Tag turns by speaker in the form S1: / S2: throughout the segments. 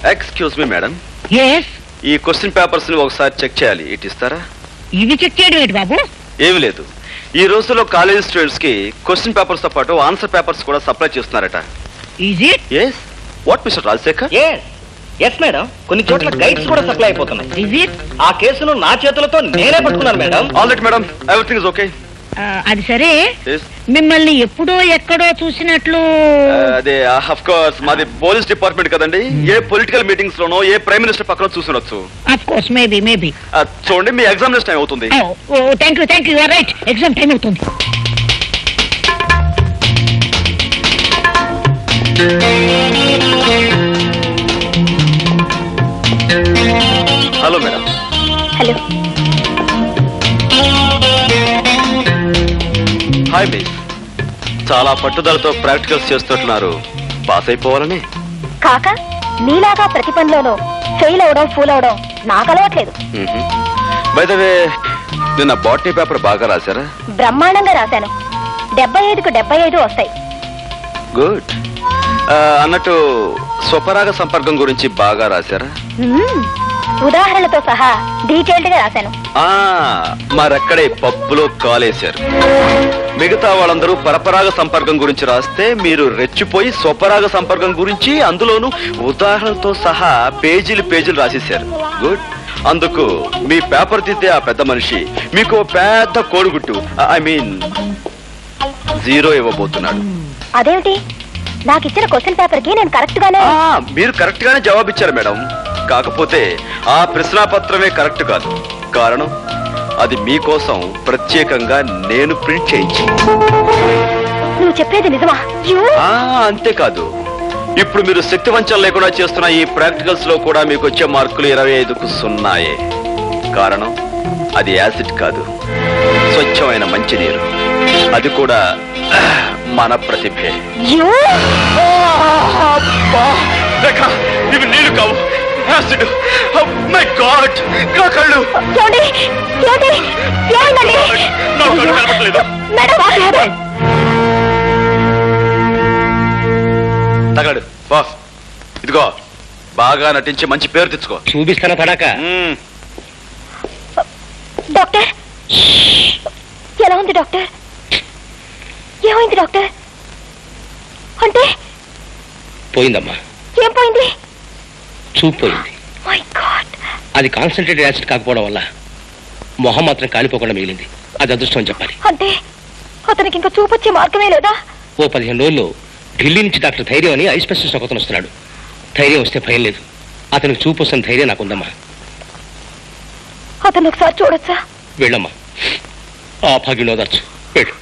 S1: Excuse me madam,
S2: yes,
S1: ఈ question papers ని ఒకసారి చెక్ చేయాలి. ఇటు ఇస్తారా?
S2: ఇవి చెక్ చేయడం ఏంటి బాబు?
S1: ఏమి లేదు, ఈ రోజుల్లో కాలేజ్ స్టూడెంట్స్ కి క్వశ్చన్ పేపర్స్ తో పాటు ఆన్సర్ పేపర్స్ కూడా సప్లై చేస్తున్నారట.
S2: Is it?
S1: Yes. What mister Rajasekhar?
S3: Yes madam, కొన్ని చోట్ల గైడ్స్ కూడా సప్లై అయిపోతున్నాయి.
S2: Is it?
S3: ఆ కేసును నా చేతులతో నేనే పట్టుకున్నాను madam.
S1: All right madam, everything is okay.
S2: అది సరే,
S1: Yes.
S2: మిమ్మల్ని ఎప్పుడో ఎక్కడో చూసినట్లు.
S1: అదే ఆఫ్ కోర్స్ మాది పోలీస్ డిపార్ట్మెంట్ కదండి. ఏ పొలిటికల్ మీటింగ్స్ లోనో ఏ ప్రైమ్ మినిస్టర్ పక్కన చూసుండొచ్చు.
S2: Of course, maybe.
S1: చూడండి, మీ ఎగ్జామినేషన్ టైం అవుతుంది.
S2: Thank you, right. Exam time అవుతుంది.
S1: Hello madam.
S4: Hello.
S1: Hi miss. చాలా పట్టుదలతో ప్రాక్టికల్స్ చేస్తున్నారు. పాస్ అయిపోవాలని?
S4: కాక నీలాగా ప్రతి పనిలోనూ ఫెయిల్ అవడం, ఫూల్ అవడం నాకు అలవాట్లేదు.
S1: బై ద వే, నిన్న బాటనీ పేపర్ బాగా రాశారా?
S4: బ్రహ్మాండంగా రాశాను. 75కు 75 వస్తాయి.
S1: గుడ్. అన్నట్టు స్వపరాగ సంపర్కం గురించి బాగా రాశారా?
S4: ఉదాహరణలతో సహా డీటెయిల్డ్ గా రాశాను.
S1: మరక్కడే పప్పులో కాలేశారు. మిగతా వాళ్ళందరూ పరపరాగ సంపర్కం గురించి రాస్తే మీరు రెచ్చిపోయి స్వపరాగ సంపర్కం గురించి అందులోనూ ఉదాహరణతో సహా పేజీలు రాసేశారు. గుడ్. అందుకు మీ పేపర్ దిద్దే ఆ పెద్ద మనిషి మీకు పెద్ద కోడిగుట్టు, ఐ మీన్ 0 ఇవ్వబోతున్నాడు.
S4: అదేమిటి? నాకు ఇచ్చిన క్వశ్చన్ పేపర్ కి నేను కరెక్ట్ గానే.
S1: మీరు కరెక్ట్ గానే జవాబిచ్చారు మేడం. కాకపోతే ఆ ప్రశ్నాపత్రమే కరెక్ట్ కాదు. కారణం, అది మీకోసం ప్రత్యేకంగా నేను ప్రింట్ చేయించి.
S4: నువ్వు చెప్పేది నిజమా?
S1: అంతేకాదు, ఇప్పుడు మీరు శక్తి వంచన లేకుండా చేస్తున్న ఈ ప్రాక్టికల్స్ లో కూడా మీకు వచ్చే మార్కులు 25కు 0. కారణం, అది యాసిడ్ కాదు, స్వచ్ఛమైన మంచినీరు. అది కూడా మన ప్రతిభే. ఇవి నీళ్లు కావు, యాసిడ్. మై గాడ్, నా కళ్ళు కనపడలేదు. తగలడు బాస్. ఇదిగో, బాగా నటించి మంచి పేరు తెచ్చుకో.
S3: చూపిస్తానా తడాక?
S4: డాక్టర్, ఎలా ఉంది డాక్టర్? ఏమైంది డాక్టర్? అంటే
S3: పోయిందమ్మా.
S4: ఏం పోయింది?
S3: చూపు పోయింది.
S4: My god.
S3: అది కాన్సన్ట్రేటెడ్ యాసిడ్ కాకపోవడం వల్ల మొహం మాత్రం కాలిపోకుండా మిగిలింది. అది అదృష్టం చెప్పాలి.
S4: అంటే అతనికి ఇంకా చూపొచ్చే మార్గమే లేదా?
S3: ఓ 15 రోజుల్లో ఢిల్లీ నుంచి డాక్టర్ ధైర్యం అని ఐ స్పెషలిస్ట్ ఒకతను వస్తున్నాడు. ధైర్యం వస్తే భయం లేదు. అతనికి చూపు వస్తున్న ధైర్యం నాకుందమ్మా.
S4: అతను ఒకసారి చూడొచ్చా?
S3: వెళ్ళమ్మా, ఆ భాగ్యం ఓదార్చు. వెళ్ళు.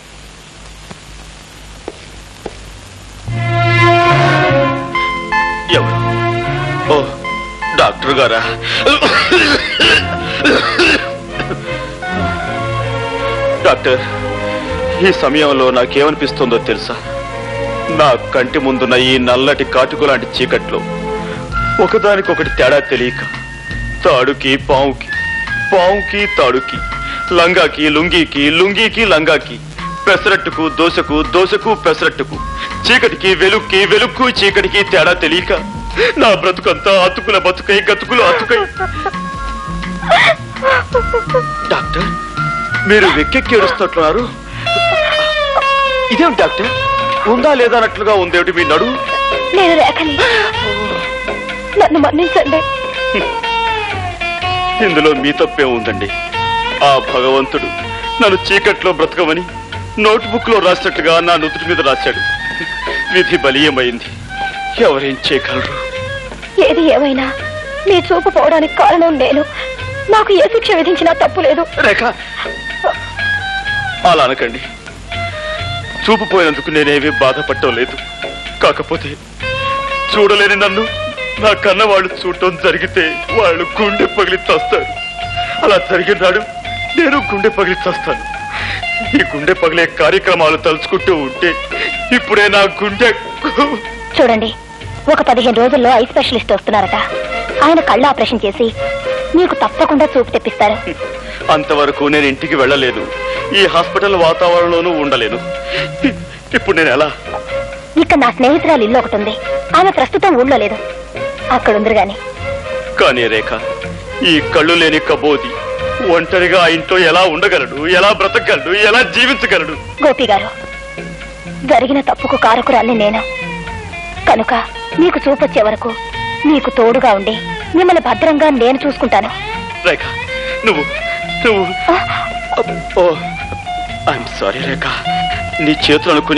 S1: ఎవరు? ఓ, డాక్టర్ గారా? డాక్టర్, ఈ సమయంలో నాకేమనిపిస్తుందో తెలుసా? నా కంటి ముందున్న ఈ నల్లటి కాటుకు లాంటి చీకట్లో ఒకదానికొకటి తేడా తెలియక తాడుకి పావుకి, పావుకి తాడుకి, లంగాకి లుంగీకి, లుంగీకి లంగాకి, పెసరట్టుకు దోశకు, దోశకు పెసరట్టుకు, చీకటికి వెలుక్కి, వెలుక్కు చీకటికి తేడా తెలియక నా బ్రతుకంతా అతుకుల బతుకై, గతుకులు అతుకై. డాక్టర్, మీరు వెక్కెక్కి ఏడుస్తున్నారు. ఇదేమిటి డాక్టర్? ఉందా లేదా అన్నట్లుగా ఉందేమిటి మీ నడు?
S4: నేను రేఖని, నన్ను మన్నించండి.
S1: ఇందులో మీ తప్పే ఉందండి. ఆ భగవంతుడు నన్ను చీకట్లో బ్రతకమని నోట్బుక్ లో రాసినట్టుగా నా నుదుటి మీద రాశాడు. విధి బలీయమైంది. ఎవరేం చేయగలరు?
S4: ఏది ఏమైనా మీ చూపు పోవడానికి కారణం నేను. నాకు ఏ శిక్ష విధించినా తప్పు లేదు.
S1: రేఖ, అలా అనకండి. చూపు పోయినందుకు నేనేమీ బాధపడటం లేదు. కాకపోతే చూడలేని నన్ను నా కన్న వాళ్ళు చూడటం జరిగితే వాళ్ళు గుండె పగిలి చస్తారు. అలా జరిగిన నాడు నేను గుండె పగిలి చస్తాను. ఈ గుండె పగిలే కార్యక్రమాలు తలుచుకుంటూ ఉంటే ఇప్పుడే నా గుండె.
S4: చూడండి, ఒక 15 రోజుల్లో ఐ స్పెషలిస్ట్ వస్తున్నారట. ఆయన కళ్ళు ఆపరేషన్ చేసి మీకు తప్పకుండా చూపు తెప్పిస్తారు.
S1: అంతవరకు నేను ఇంటికి వెళ్ళలేదు. ఈ హాస్పిటల్ వాతావరణంలోనూ ఉండలేను. ఇప్పుడు నేను ఎలా?
S4: ఇక్కడ నా స్నేహితురాలు ఇల్లు ఒకటి ఉంది. ఆమె ప్రస్తుతం ఊళ్ళో లేదు. అక్కడుందరు గాని.
S1: కానీ రేఖ, ఈ కళ్ళు లేని కబోది ఒంటరిగా ఆ ఇంట్లో ఎలా ఉండగలడు, ఎలా బ్రతకగలడు, ఎలా జీవించగలడు?
S4: గోపి గారు, జరిగిన తప్పుకు కారకురాల్ని నేను. కనుక మీకు చూపొచ్చే వరకు మీకు తోడుగా ఉండి మిమ్మల్ని భద్రంగా నేను చూసుకుంటాను.
S1: రేఖ, నువ్వు ఐఎమ్ సారీ రేఖ, నీ చేతులు అనుకుని